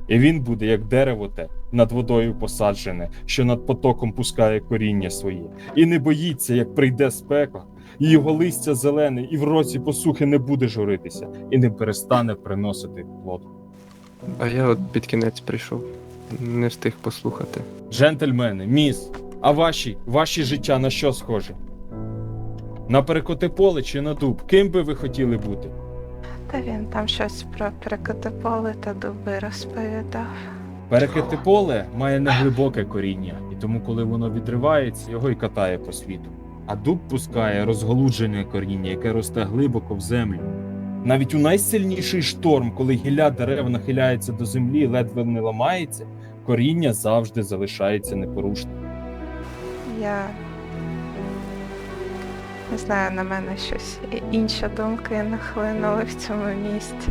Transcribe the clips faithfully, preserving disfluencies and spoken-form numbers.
І він буде, як дерево те, над водою посаджене, що над потоком пускає коріння своє. І не боїться, як прийде спека, і його листя зелене, і в році посухи не буде журитися, і не перестане приносити плод. А я от під кінець прийшов. Не встиг послухати. Джентльмени, міс, а ваші, ваші життя на що схоже? На перекоти-поле чи на дуб? Ким би ви хотіли бути? Та він там щось про перекоти-поле та дуби розповідав. Перекоти-поле має неглибоке коріння, і тому, коли воно відривається, його й катає по світу. А дуб пускає розголуджене коріння, яке росте глибоко в землю. Навіть у найсильніший шторм, коли гілля дерев нахиляється до землі і ледве не ламається, коріння завжди залишається непорушним. Я не знаю, на мене щось і- інші думки нахлинули в цьому місті.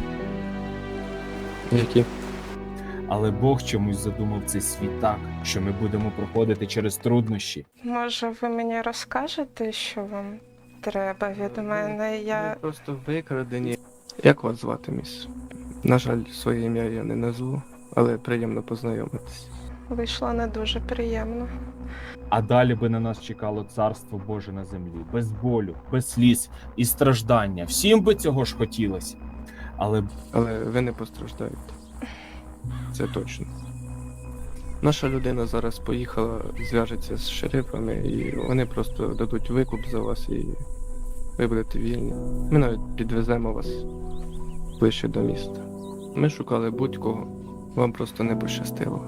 Які? Але Бог чомусь задумав цей світ так, що ми будемо проходити через труднощі. Може, ви мені розкажете, що вам треба від мене? Я Ви просто викрадені. Як вас звати, міс? На жаль, своє ім'я я не назву, але приємно познайомитись. вийшла не дуже приємно. А далі би на нас чекало царство Боже на землі, без болю, без сліз і страждання. Всім би цього ж хотілося. Але Але ви не постраждаєте. Це точно. Наша людина зараз поїхала, зв'яжеться з шерифами, і вони просто дадуть викуп за вас, і ви будете вільні. Ми навіть підвеземо вас ближче до міста. Ми шукали будь-кого, вам просто не пощастило.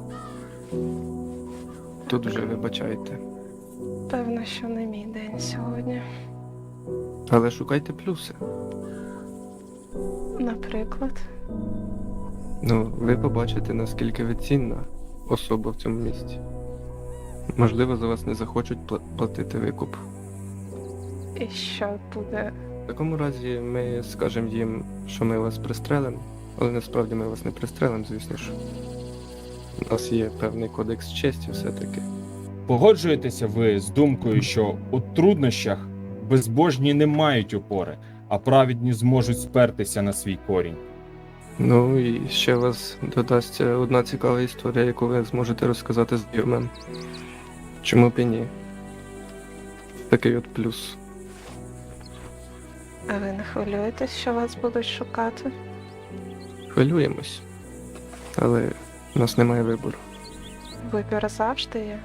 Тут вже вибачайте. Певно, що не мій день сьогодні. Але шукайте плюси. Наприклад, Ну, ви побачите, наскільки ви цінна особа в цьому місті. Можливо, за вас не захочуть пла- платити викуп. і що буде. В такому разі ми скажемо їм, що ми вас пристрелимо, але насправді ми вас не пристрелимо, звісно ж. У нас є певний кодекс честі все-таки. погоджуєтеся ви з думкою, що у труднощах безбожні не мають опори, а праведні зможуть спертися на свій корінь. Ну і ще вас додасться одна цікава історія, яку ви зможете розказати знайомим. Чому б і ні? Такий от плюс. А ви не хвилюєтесь, що вас будуть шукати? Хвилюємось, але у нас немає вибору. Вибір завжди є.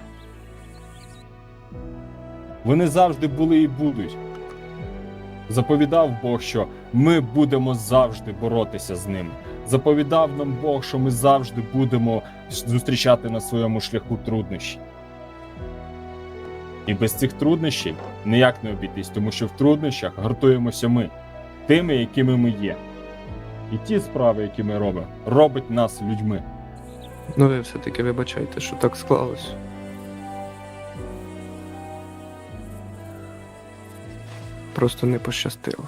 Вони завжди були і будуть. Заповідав Бог, що ми будемо завжди боротися з ними. Заповідав нам Бог, що ми завжди будемо зустрічати на своєму шляху труднощі. І без цих труднощів ніяк не обійтись, тому що в труднощах гуртуємося ми, тими, якими ми є. І ті справи, які ми робимо, робить нас людьми. Ну ви все-таки вибачайте, що так склалось. Просто не пощастило.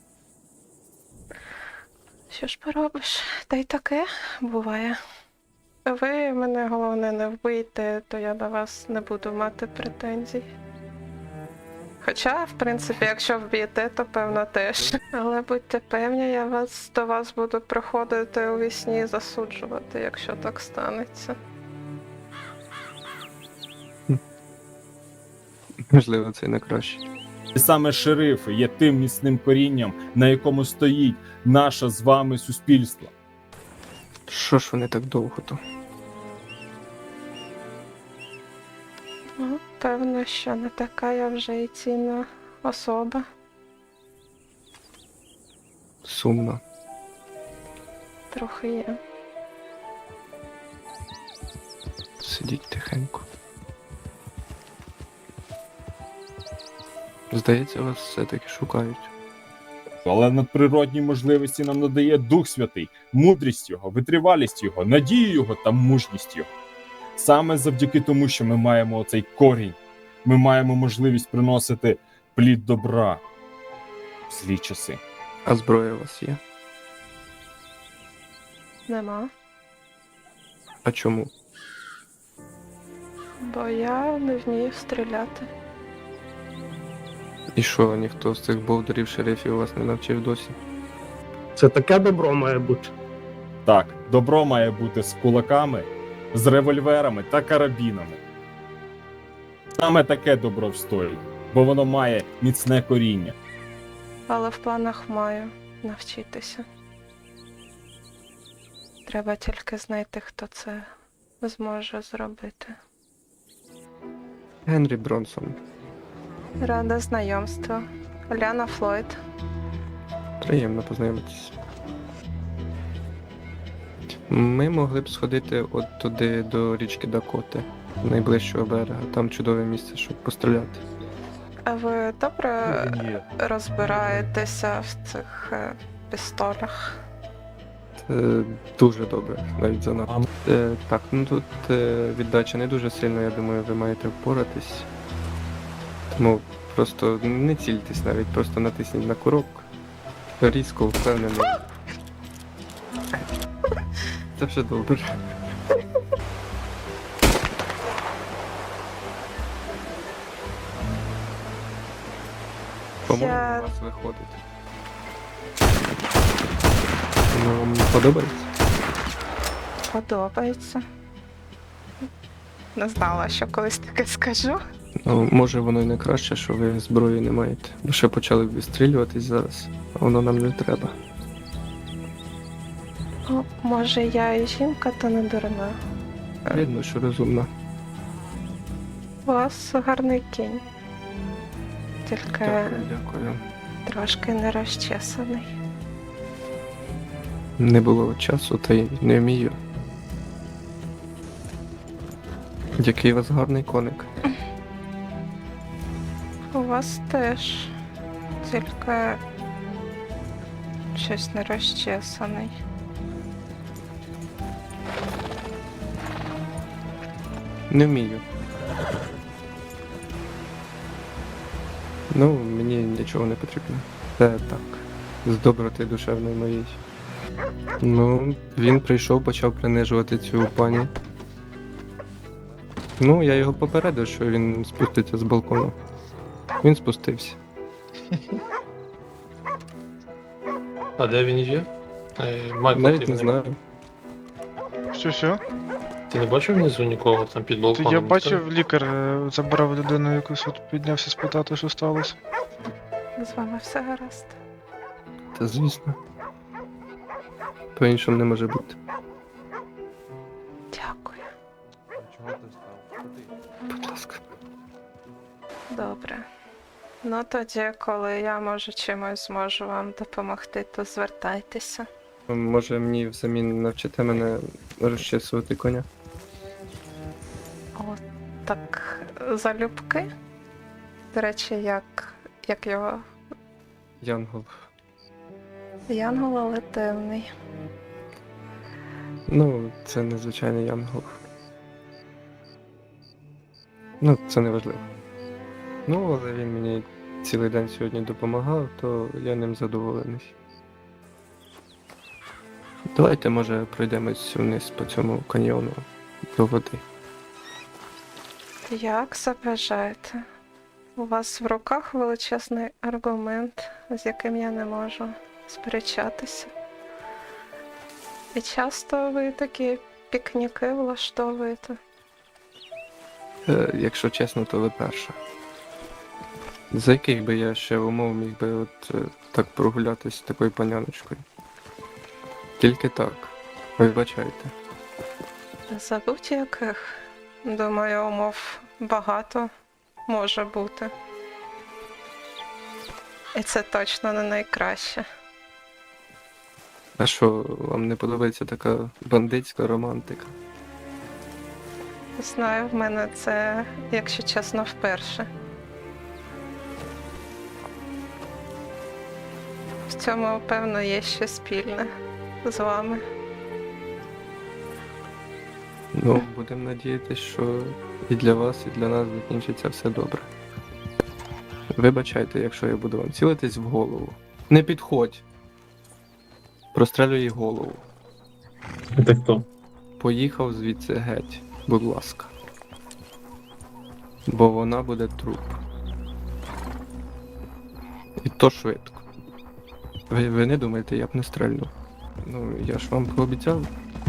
Що ж поробиш? Та й таке буває. Ви мене головне не вбийте, то я до вас не буду мати претензій. Хоча, в принципі, якщо вб'єте, то певно теж. Але будьте певні, я вас до вас буду приходити у вісні і засуджувати, якщо так станеться. Можливо, це й не краще. І саме шерифи є тим міцним корінням, на якому стоїть наше з вами суспільство. Що ж вони так довго то? Ну, певно, що не така я вже і цінна особа. Сумно. Трохи є. Сидіть тихенько. Здається, вас все-таки шукають. Але надприродні можливості нам надає Дух Святий, мудрість Його, витривалість Його, надію Його та мужність Його. Саме завдяки тому, що ми маємо оцей корінь, ми маємо можливість приносити плід добра в злі часи. А зброя у вас є? Нема. А чому? Бо я не вмію стріляти. І що, ніхто з цих бовдарів шерифів вас не навчив досі? Це таке добро має бути. Так, добро має бути з кулаками, з револьверами та карабінами. Саме таке добро встоїть, бо воно має міцне коріння. Але в планах маю навчитися. Треба тільки знайти, хто це зможе зробити. Генрі Бронсон. Рада знайомству. Ляна Флойд. Приємно познайомитись. Ми могли б сходити от туди до річки Дакоти, найближчого берега. Там чудове місце, щоб постріляти. А ви добре Ні. розбираєтеся в цих е, пістолях? Е, дуже добре, навіть занадто. Е, так, ну тут е, віддача не дуже сильно, я думаю, ви маєте впоратись. Тому просто не цільтесь навіть, просто натисніть на курок. Різко, впевнено. Це все добре. По-моєму, Я- у вас виходить. Ну, вам подобається? Подобається. Не знала, що колись таке скажу. Ну, може воно й не краще, що ви зброї не маєте. Бо ще почали б відстрілюватись зараз, а воно нам не треба. О, може, я і жінка, та не дурна. Видно, що розумно. У вас гарний кінь. Тільки Дякую, дякую. трошки не розчесаний. Не було часу, та й не вмію. Який у вас гарний коник. У вас теж. Тільки щось не розчесаний. Не вмію. Ну, мені нічого не потрібно. Це так. З доброти душевної моєї. Ну, він прийшов, почав принижувати цю пані. Ну, я його попередив, що він спуститься з балкону. Він спустився. А де він є? Е, Майкл, Навіть ти не мене- знаю. Що, що? Ти не бачив внизу нікого там під То балконом? я ніхто? бачив, лікар е, забирав людину якусь, от піднявся спитати, що сталося. З вами все гаразд. Та звісно. По-іншому не може бути. Дякую. Будь ласка. Добре. Ну тоді, коли я може чимось зможу вам допомогти, то звертайтеся. Може мені взамін навчите мене розчесувати коня? О, так залюбки. До речі, як, як його Янгол. Янгол, але темний. Ну, це незвичайний янгол. Ну, це не важливо. Ну, але він мені цілий день сьогодні допомагав, то я ним задоволений. Давайте, може, пройдемось вниз по цьому каньйону до води. Як забажаєте? У вас в руках величезний аргумент, з яким я не можу сперечатися. І часто ви такі пікніки влаштовуєте. Е, якщо чесно, то ви перша. За яких би я ще умов міг би от е, так прогулятись з такою паняночкою? Тільки так. Вибачайте. За будь-яких, думаю, умов багато може бути. І це точно не найкраще. А що, вам не подобається така бандитська романтика? Знаю, в мене це, якщо чесно, вперше. В цьому, певно, є щось спільне з вами. Ну, будемо надіятися, що і для вас, і для нас закінчиться все добре. Вибачайте, якщо я буду вам цілитись в голову. Не підходь. Прострелю їй голову. Це хто? Поїхав звідси геть, будь ласка. Бо вона буде труп. І то швидко. Ви, ви не думаєте, я б не стрельнув. Ну, я ж вам пообіцяв.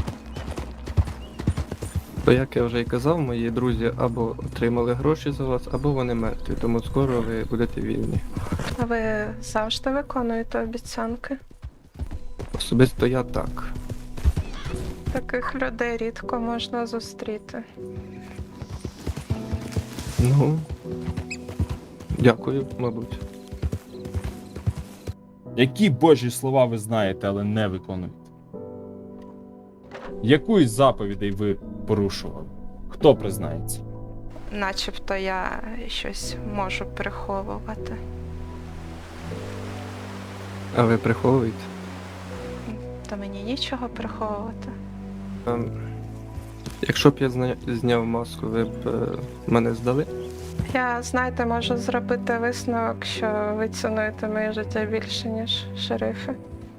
То як я вже й казав, мої друзі або отримали гроші за вас, або вони мертві, тому скоро ви будете вільні. А ви завжди виконуєте обіцянки? Особисто я так. Таких людей рідко можна зустріти. Ну. Дякую, мабуть. Які божі слова ви знаєте, але не виконуєте? Яку із заповідей ви порушували? Хто признається? Начебто я щось можу приховувати. А ви приховуєте? Та мені нічого приховувати. Ем, якщо б я зня... зняв маску, ви б е, мене здали? Я, знаєте, можу зробити висновок, що ви цінуєте моє життя більше, ніж шерифи.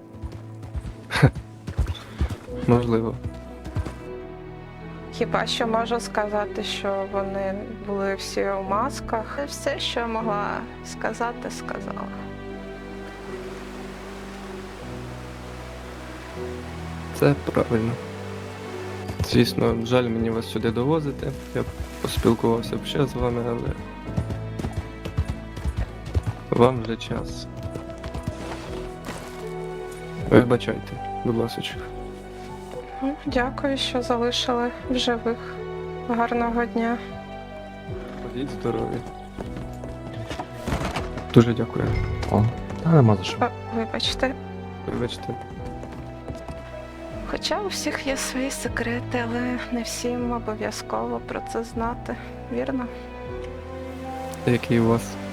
Можливо. Хіба що можу сказати, що вони були всі у масках. Все, що могла сказати, сказала. Це правильно. Звісно, жаль мені вас сюди довозити. Я б поспілкувався б ще з вами, але вам вже час. Вибачайте, будь ласка. Ну, дякую, що залишили в живих. Гарного дня. Ходіть здорові. Дуже дякую. О, та нема за що. О, вибачте. Вибачте. Хоча у всіх є свої секрети, але не всім обов'язково про це знати. Вірно? Який у вас?